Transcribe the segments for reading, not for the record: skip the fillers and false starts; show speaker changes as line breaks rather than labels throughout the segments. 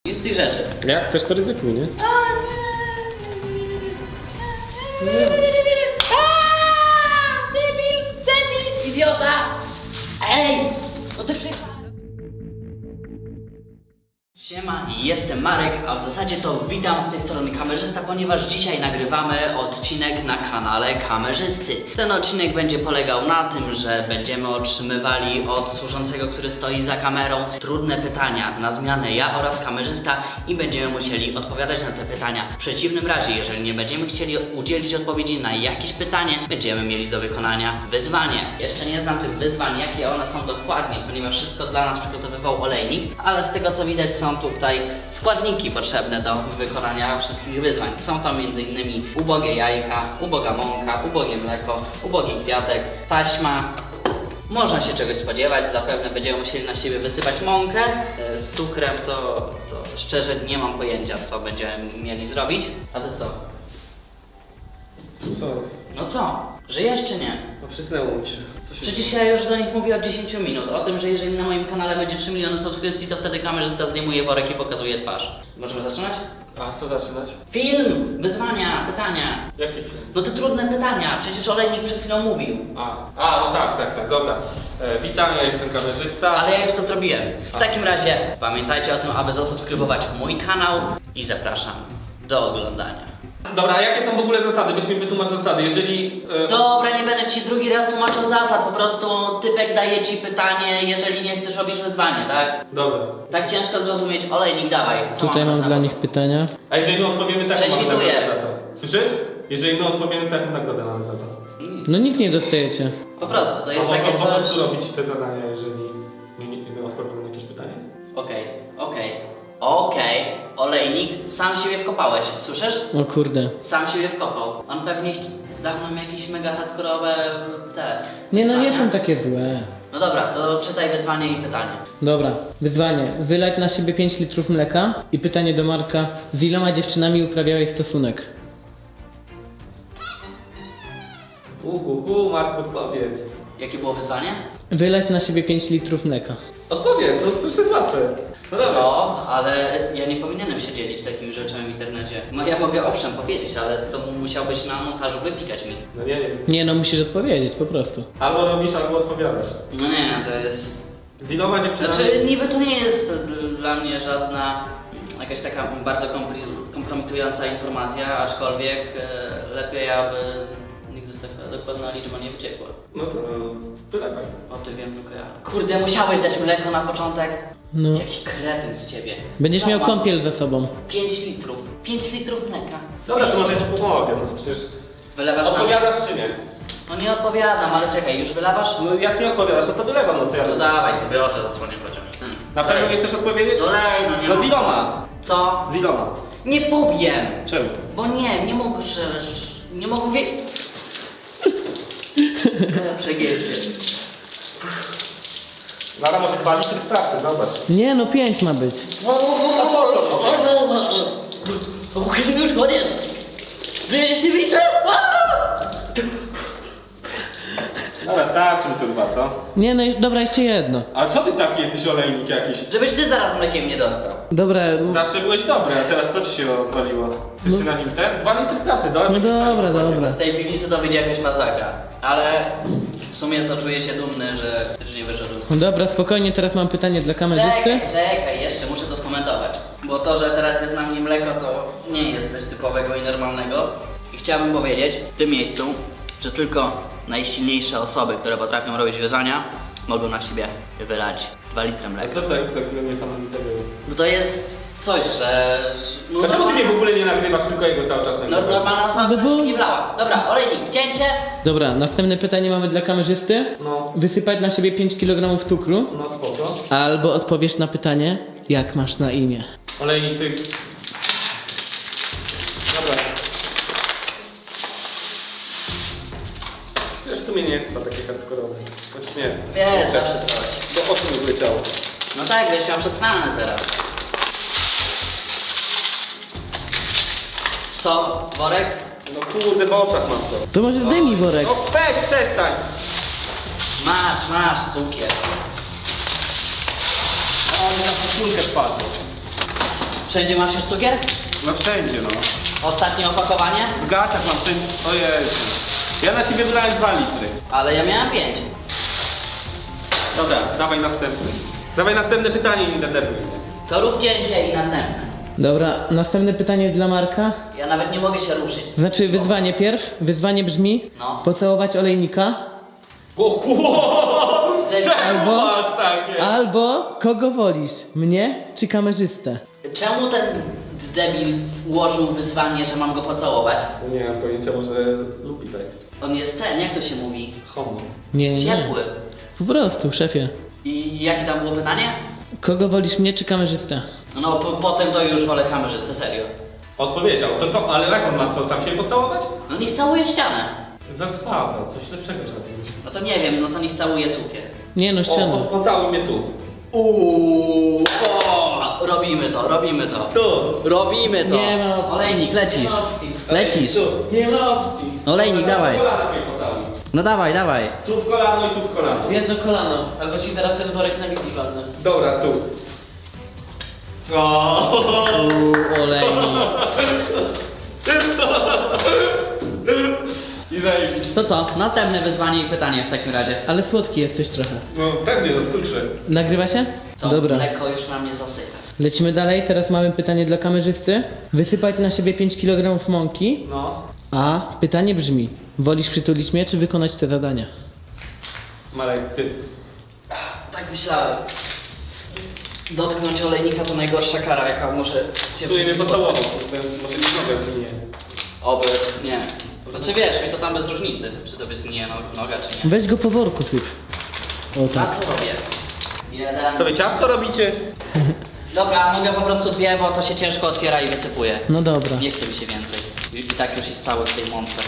Nic z tych rzeczy.
Jak chcesz, to ryzykuj, nie?
Debil, idiota! Ej! No ty przyjechałeś. Siema, jestem Marek, a w zasadzie to witam z tej strony kamerzysta, ponieważ dzisiaj nagrywamy odcinek na kanale kamerzysty. Ten odcinek będzie polegał na tym, że będziemy otrzymywali od służącego, który stoi za kamerą, trudne pytania na zmianę ja oraz kamerzysta i będziemy musieli odpowiadać na te pytania. W przeciwnym razie, jeżeli nie będziemy chcieli udzielić odpowiedzi na jakieś pytanie, będziemy mieli do wykonania wyzwanie. Jeszcze nie znam tych wyzwań, jakie one są dokładnie, ponieważ wszystko dla nas przygotowywał olejnik, ale z tego co widać są tutaj składniki potrzebne do wykonania wszystkich wyzwań. Są to m.in. ubogie jajka, uboga mąka, ubogie mleko, ubogi kwiatek, taśma. Można się czegoś spodziewać, zapewne będziemy musieli na siebie wysypać mąkę. Z cukrem to szczerze nie mam pojęcia, co będziemy mieli zrobić. A ty co?
Co jest?
No co? Żyjesz czy nie?
No przysnęło mi się. Co się
Przecież ja już do nich mówię od 10 minut, o tym, że jeżeli na moim kanale będzie 3 miliony subskrypcji, to wtedy kamerzysta zdejmuje worek i pokazuje twarz. Możemy zaczynać?
A co zaczynać?
Film! Wyzwania, pytania.
Jaki film?
No te trudne pytania, przecież olejnik przed chwilą mówił.
No tak, dobra. Witam, ja jestem kamerzysta.
Ale ja już to zrobiłem. W takim razie pamiętajcie o tym, aby zasubskrybować mój kanał i zapraszam do oglądania.
Dobra, a jakie są w ogóle zasady? Weź mi wytłumacz zasady, jeżeli...
Dobra, nie będę ci drugi raz tłumaczył zasad, po prostu typek daje ci pytanie, jeżeli nie chcesz robić wyzwanie, tak?
Dobra.
Tak ciężko zrozumieć, olejnik dawaj. Co
Tutaj mam
na
dla
zawód?
nich pytania.
A jeżeli my odpowiemy tak, mamy
Prześwituję.
nagrodę za to. Słyszysz? Jeżeli my odpowiemy tak, nagrodę mamy za to.
Nic.
No nic nie dostajecie.
Po prostu, to jest
A
takie
można po
coś...
prostu robić te zadania, jeżeli my odpowiemy na jakieś pytanie?
Okej, olejnik, sam siebie wkopałeś, słyszysz?
O kurde.
Sam siebie wkopał. On pewnie dał nam jakieś mega hardkorowe te
Nie no, nie
wyzwania.
są takie złe.
No dobra, to czytaj wyzwanie i pytanie.
Dobra, wyzwanie. Wylać na siebie 5 litrów mleka. I pytanie do Marka. Z iloma dziewczynami uprawiałeś stosunek?
Mark, odpowiedz.
Jakie było wyzwanie?
Wylać na siebie 5 litrów mleka.
Odpowiedz, no przecież to jest łatwe. No dobra.
Co? Ale ja nie powinienem się dzielić takimi rzeczami w internecie. No ja mogę owszem powiedzieć, ale to musiałbyś na montażu wypikać mi.
No nie.
Nie no, musisz odpowiedzieć po prostu.
Albo robisz, albo odpowiadasz.
No nie, to jest...
Z iloma dziewczynami?
Znaczy niby to nie jest dla mnie żadna jakaś taka bardzo kompromitująca informacja, aczkolwiek lepiej aby nigdy taka dokładna liczba nie wyciekła.
No to wylewaj.
O ty wiem tylko ja. Kurde, musiałeś dać mleko na początek?
No.
Jaki kretyn z ciebie.
Będziesz
Co
miał
mam?
kąpiel za sobą.
5 litrów. 5 litrów mleka.
Dobra, to
5
może ja ci pomogę, no przecież...
Wylewasz na mnie?
Odpowiadasz czy nie?
No nie odpowiadam, ale czekaj, już wylewasz?
No jak nie odpowiadasz, no to wylewam, no co ja
To
robię?
dawaj, sobie oczy zasłonię chociaż.
Na pewno nie chcesz odpowiedzieć?
To lej, no nie
No z
ma.
iloma?
Co?
Z iloma?
Nie powiem!
Czemu?
Bo nie mogę, nie mogę wiedzieć. Przegięcie.
Nara może 2 litry starczy, zobacz.
Nie no, 5 ma być.
Już koniec! Wyjeźdź nie widzę!
Dobra, starczy mi to 2, co?
Nie no, dobra, jeszcze jedno.
A co ty taki jesteś olejnik jakiś?
Żebyś ty zaraz mlekiem nie dostał.
Dobra,
Zawsze byłeś dobry, a teraz co ci się odwaliło? Chcesz się na nim ten? 2 litry starczy, zobacz.
No
jaki
dobra,
stary
dobra.
Z tej piwnicy to wyjdzie jakaś masakra. Ale w sumie to czuję się dumny, że nie wyszedłem z
no dobra, spokojnie, teraz mam pytanie dla kamerzysty.
Czekaj, jeszcze muszę to skomentować. Bo to, że teraz jest na mnie mleko, to nie jest coś typowego i normalnego. I chciałbym powiedzieć w tym miejscu, że tylko najsilniejsze osoby, które potrafią robić wyzwania, mogą na siebie wylać 2 litry
A
mleka.
co takiego niesamowitego jest?
Bo to jest coś, że... No,
Dlaczego ty mnie w ogóle nie nagrywasz, tylko jego cały czas nagrywasz?
Normalna osoba
No
by
bo-
się nie wlała. Dobra, olejnik, cięcie.
Dobra, następne pytanie mamy dla kamerzysty.
No,
Wysypać na siebie 5 kg cukru.
no spoko.
Albo odpowiesz na pytanie, jak masz na imię.
Olejnik, ty... Dobra. Wiesz, w sumie nie jest chyba takie hardkorowe. Chociaż nie.
Wiesz, zawsze coś.
Bo oczu mi wyleciało.
No tak, wiesz, miał przestranę teraz. Co, worek?
No kurde, w oczach mam to.
To może zdejmij worek.
No weź, przestań!
Masz, cukier.
O, mi na koszulkę wpadło.
Wszędzie masz już cukier?
No wszędzie, no.
Ostatnie opakowanie?
W gaciach mam wszędzie. Ojej. Ja na ciebie wylałem 2 litry.
Ale ja miałem 5.
Dobra, dawaj następny. Dawaj następne pytanie i nie denerwuj mnie.
To rób cięcie i następne.
Dobra, następne pytanie dla Marka.
Ja nawet nie mogę się ruszyć.
Znaczy wyzwanie pierw. Wyzwanie brzmi
No.
pocałować olejnika
O kurwa! Czemu
Albo-
masz takie?
albo kogo wolisz, mnie czy kamerzystę?
Czemu ten debil ułożył wyzwanie, że mam go pocałować?
Nie mam pojęcia, może lubi tak.
On jest ten, jak to się mówi?
Homo.
Nie,
Ciepły.
Po prostu, szefie.
I jakie tam było pytanie?
Kogo wolisz, mnie czy kamerzystę?
No potem to już wolę kamerzystę, serio.
Odpowiedział. To co, ale jak on ma co, sam się pocałować?
No niech całuje ścianę.
Zaspada, coś lepszego trzeba zrobić.
No to nie wiem, no to niech całuje cukier.
Nie no, ściana.
Pocałuj mnie tu.
Robimy to, robimy to.
Tu.
Robimy to.
Nie ma opcji.
Olejnik, lecisz. Lecisz.
Tu. Nie ma opcji.
Olejnik, dawaj.
W kolano mnie pocałuj.
No dawaj, dawaj.
Tu w kolano i tu w kolano.
W jedno kolano, albo ci zaraz ten worek na wiki walnę.
Dobra, tu. O.
Olejnik.
I zajebiście.
To co? Następne wyzwanie i pytanie w takim razie.
Ale słodki jesteś trochę.
No pewnie, no w cukrze.
Nagrywa się?
To
Dobra.
mleko już na mnie zasycha.
Lecimy dalej, teraz mamy pytanie dla kamerzysty. Wysypać na siebie 5 kg mąki,
No.
a pytanie brzmi, wolisz przytulić mnie, czy wykonać te zadania?
Marek, syp.
Tak myślałem. Dotknąć olejnika to najgorsza kara, jaka może cię
W sumie mnie
w życiu
pocałował,
spotkać.
może mi nogę zginie.
Oby, nie. Znaczy wiesz, mi to tam bez różnicy, czy to by zgnije noga, czy nie.
Weź go po worku syp. O
A
tak.
co robię? Jeden.
Co wy ciasto robicie?
Dobra, mogę po prostu 2, bo to się ciężko otwiera i wysypuje.
No dobra.
Nie chce mi się więcej. I tak już jest cały w tej mące.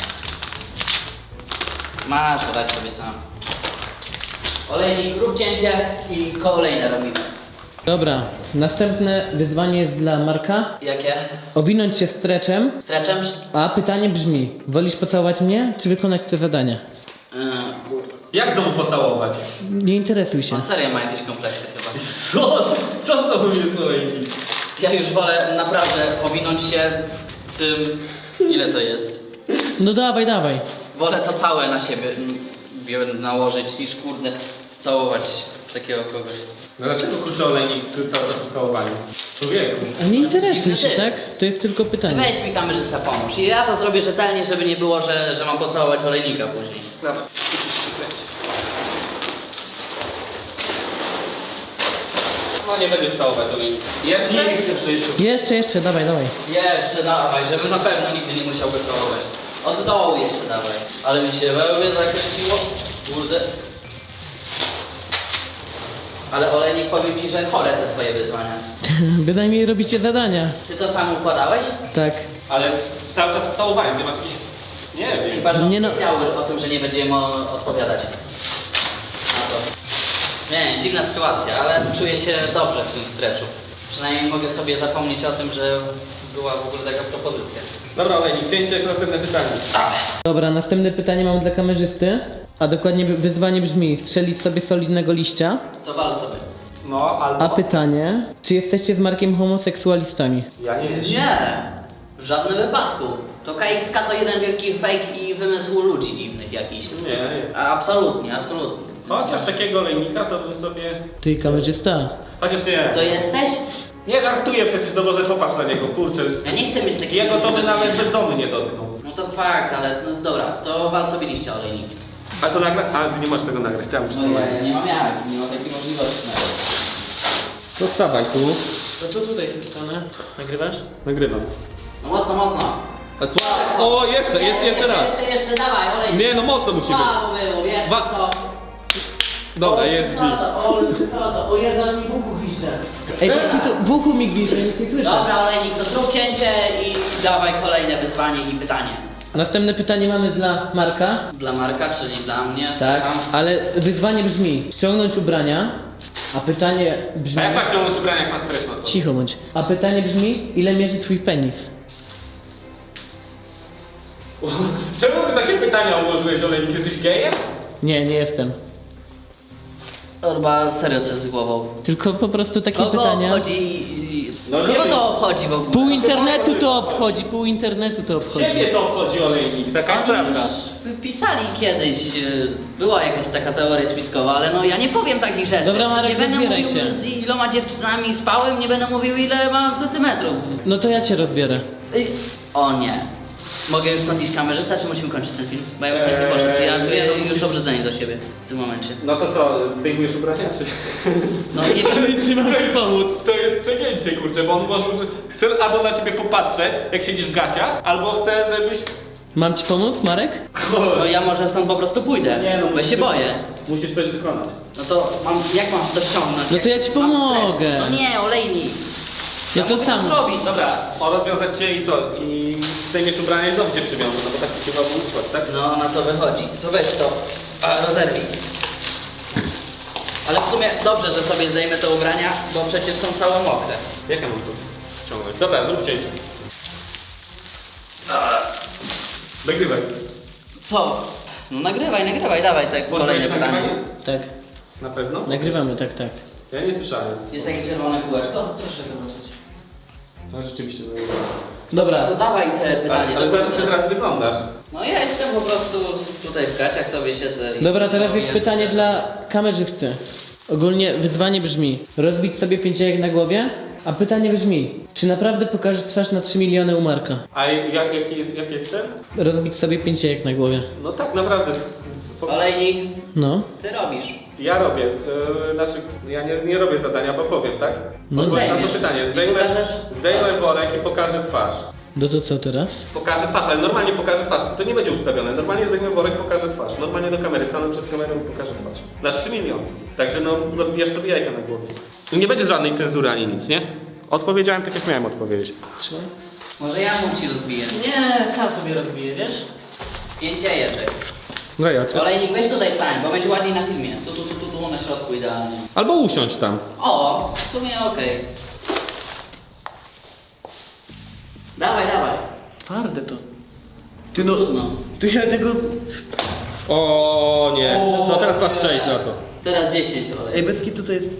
Masz, dać sobie sam. Olejnik, rób cięcie i kolejne robimy.
Dobra, następne wyzwanie jest dla Marka.
Jakie?
Owinąć się streczem,
Streczem?
a pytanie brzmi, wolisz pocałować mnie, czy wykonać te zadania?
Jak znowu pocałować?
Nie interesuj się.
On serio ma jakieś kompleksy chyba.
Co znowu jest olejnik?
Ja już wolę naprawdę owinąć się tym... Ile to jest?
No dawaj, dawaj.
Wolę to całe na siebie nałożyć niż kurde całować takiego kogoś.
No dlaczego kurczę olejnik całe to pocałowanie? Człowieku.
A nie interesuj
Dziwny
się,
typ.
tak? To jest tylko
Ty
pytanie.
weź mi kamerzysta pomóż i ja to zrobię rzetelnie, żeby nie było, że mam pocałować olejnika później.
Dobra. No nie będziesz całować olejnika. Jeszcze? Nigdy w życiu.
Jeszcze, dawaj, dawaj.
Jeszcze dawaj, żeby na pewno nigdy nie musiał go całować. Od dołu jeszcze dawaj. Ale mi się wełbie zakręciło. Kurde. Ale olejnik, powiem ci, że chore te twoje wyzwania.
Bynajmniej robicie zadania.
Ty to sam układałeś?
Tak.
Ale cały czas z całowaniem, ty masz jakiś... Nie wiem.
Chyba, że
Nie no.
wiedziałeś o tym, że nie będziemy odpowiadać na to. Nie, dziwna sytuacja, ale czuję się dobrze w tym streczu. Przynajmniej mogę sobie zapomnieć o tym, że była w ogóle taka propozycja.
Dobra olejnik, cięcie, następne pytanie.
Dobra, następne pytanie mam dla kamerzysty, a dokładnie wyzwanie brzmi, strzelić sobie solidnego liścia,
To wal sobie.
No, albo...
a pytanie, czy jesteście z Markiem homoseksualistami?
Ja nie wiem.
Nie! W żadnym wypadku. To KXK to jeden wielki fake i wymysł ludzi dziwnych jakichś.
Nie, jest.
Absolutnie, absolutnie.
Chociaż takiego olejnika to bym sobie...
Ty i kamerzysta.
Chociaż nie.
To jesteś?
Nie żartuję przecież, no może popatrz na niego, kurczę.
Ja nie chcę mieć takiego...
Jego to by nawet bezdomny nie dotknął.
No to fakt, ale no dobra, to wal sobie liścia olejnik.
A to nagra... A, ty nie możesz tego nagrać, ja muszę to
No ja
nagrać.
nie mam jak, nie mam takiej możliwości nawet.
To wstawaj tu.
To tu tutaj z tej strony. Nagrywasz?
Nagrywam.
No mocno, mocno.
A O, jeszcze raz.
Jeszcze, dawaj, olejnik.
Nie, no mocno musi być.
Słabo było, wiesz
Dwa-
co?
Dobra, jest G.
O Jezu, aż mi w uchu gwizdże. Ej, w uchu mi gwizdże, nic nie słyszę.
Dobra, olejnik, to zrób cięcie i dawaj kolejne wyzwanie i pytanie.
Następne pytanie mamy dla Marka.
Dla Marka, czyli dla mnie.
Tak,
słucham.
ale wyzwanie brzmi, ściągnąć ubrania, a pytanie brzmi...
A jak masz ciągnąć ubrania, jak masz stres na sobie?
Cicho bądź. A pytanie brzmi, ile mierzy twój penis?
Czemu ty takie pytania ułożyłeś, olejnik? Jesteś gejem?
Nie, nie jestem.
Chyba serio co jest z głową.
Tylko po prostu takie
Kogo
pytania.
chodzi
No nie
Kogo
wiem.
to obchodzi w ogóle?
Pół internetu to obchodzi, pół internetu to obchodzi.
Ciebie to obchodzi olejnik, taka jest
Oni
prawda.
już pisali kiedyś, była jakaś taka teoria spiskowa, ale no ja nie powiem takich rzeczy.
Dobra, Marek,
nie będę
rozbieraj
mówił
się.
z iloma dziewczynami spałem, nie będę mówił ile mam centymetrów.
No to ja cię rozbiorę.
O nie. Mogę już stąd iść kamerzysta, czy musimy kończyć ten film? Bo ja już tak nie poszedł, czy ja czuję już obrzydzenie do siebie w tym momencie.
No to co, zdejmujesz ubrania, czy?
No nie
Czy mam ci pomóc?
To jest przegięcie, kurczę, bo on może, chce albo na ciebie popatrzeć, jak siedzisz w gaciach, albo chce, żebyś...
Mam ci pomóc, Marek?
to ja może stąd po prostu pójdę,
Nie, no,
bo
musisz
się boję.
Musisz coś wykonać.
No to jak mam to ściągnąć?
No to ja ci
Mam
pomogę.
stretch. No nie, olejnik.
Ja to
mogę
sam.
zrobić.
Dobra, rozwiązać cię i co? I zdejmiesz ubrania i znowu cię przywiążę, no bo taki chyba był układ, tak?
No na to wychodzi. To weź to, rozerwij. Ale w sumie dobrze, że sobie zdejmę te ubrania, bo przecież są całe mokre.
Jak ja mam to ściągnąć? Dobra, zrób cięcie. Nagrywaj.
Co? No nagrywaj, dawaj te kolejne
Włączyłeś
pytanie.
nagrywanie?
Tak.
Na pewno?
Nagrywamy, tak, tak.
Ja nie słyszałem.
Jest takie czerwone kółeczko? Proszę zobaczyć.
No rzeczywiście.
Dobra,
To dawaj te pytanie.
Ale zobacz, jak ty teraz wyglądasz.
No ja jestem po prostu tutaj w gaciach sobie siedzę i...
Dobra, teraz
no,
jest pytanie dla kamerzysty. Ogólnie wyzwanie brzmi: rozbić sobie 5 jajek na głowie, a pytanie brzmi: czy naprawdę pokażesz twarz na 3 miliony u Marka?
A jaki jest ten?
Rozbić sobie 5 jajek na głowie.
No tak, naprawdę.
Olejnik,
No.
ty robisz.
Ja robię. Znaczy, ja nie robię zadania, bo powiem, tak?
No
Odpowiem na to
zdejmiesz.
pytanie.
I
Zdejmę
pokażesz
worek i pokażę twarz.
No to co teraz?
Pokażę twarz, ale normalnie pokażę twarz. To nie będzie ustawione. Normalnie zdejmę worek, pokażę twarz. Normalnie do kamery, stanę przed kamerą i pokażę twarz. Na 3 miliony. Także no, rozbijasz sobie jajka na głowie. Nie będzie żadnej cenzury ani nic, nie? Odpowiedziałem tak, jak miałem odpowiedzieć.
Trzymaj.
Może ja mu ci rozbiję.
Nie, sam sobie rozbiję, wiesz?
5 jajeczek.
No ja.
Olejnik, weź tutaj stań, bo będzie ładniej na filmie. Tu, na środku idealnie.
Albo usiądź tam.
O, w sumie okej. Dawaj.
Twarde to.
Ty no. Trudno.
Tu ja tego...
O nie. No teraz masz 6 za to.
Teraz 10 olej.
bez kitu to jest...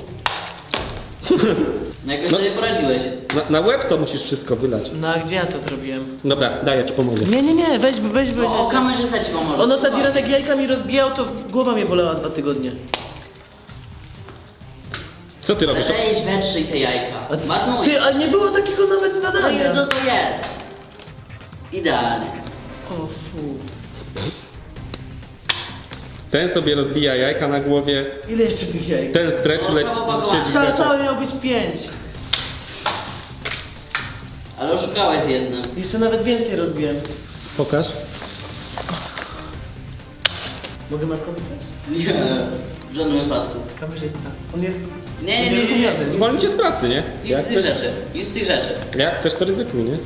No jakoś sobie poradziłeś.
Na łeb to musisz wszystko wylać.
No a gdzie ja to zrobiłem?
Dobra, daj, ja ci pomogę.
Nie, weź.
O, kamerzysta ci pomoże.
On ostatni raz jak jajka mi rozbijał, to głowa mnie bolała 2 tygodnie.
Co ty
Ale
robisz?
weź wetrzyj te jajka. Marnuj.
Ty, a nie było takiego nawet
No i
zadania.
no to jest. Idealnie.
O fu.
Ten sobie rozbija jajka na głowie,
Ile jeszcze tych jajek?
ten stretch
O,
leci,
całe opakowanie.
siedzi w
Ta
gaciach.
całe miał być 5.
Ale oszukałeś z jednym.
Jeszcze nawet więcej rozbiłem.
Pokaż.
Mogę Markowi dać?
Nie. W żadnym wypadku.
Kamerzysta. On jest...
Nie.
Zwolni cię z pracy, nie?
Nic z tych rzeczy. Nic z tych rzeczy.
Jak chcesz, to ryzykuj, nie?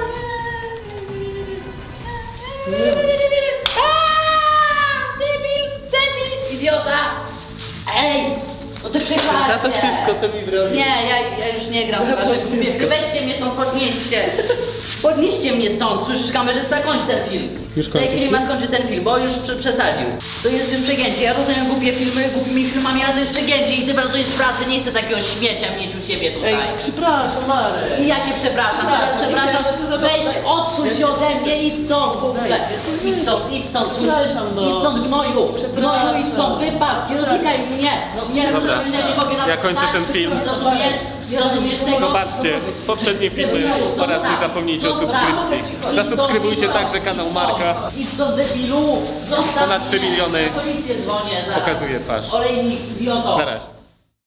Debil, idiota! Ej! No ty przegrałaś.
Ja to wszystko, co mi zrobił.
Nie, ja już nie gram. Chyba, że weźcie mnie stąd, podnieście. Podnieście mnie stąd, słyszysz kamerzysta? Kończ ten film.
Już
W tej
kończysz?
chwili ma skończyć ten film, bo już przesadził. To jest już przegięcie. Ja rozumiem głupie filmy, głupimi filmami, ale to jest przegięcie i ty bardzo jest pracy. Nie chcę takiego śmiecia mieć u siebie tutaj.
Ej, przepraszam, Marek.
I jakie przepraszam, teraz przepraszam, weź odsuń się ode mnie, idź stąd w ogóle, idź stąd, słyszysz?
Przepraszam, no.
Idź stąd gnoju, gnoju, idź stąd, wypadł, nie dotykaj mnie, nie
Dobra,
rozumiesz, nie mogę na
ja
to
kończę
spać,
ten film.
nie rozumiesz tego?
Zobaczcie poprzednie filmy oraz nie zapomnijcie o subskrypcji. Zasubskrybujcie także kanał Marka.
Idź stąd debilu, zostaw
Ponad 3
mnie.
miliony
Na policję dzwonię zaraz.
pokazuje twarz.
Olejnik, idioto.
Na razie.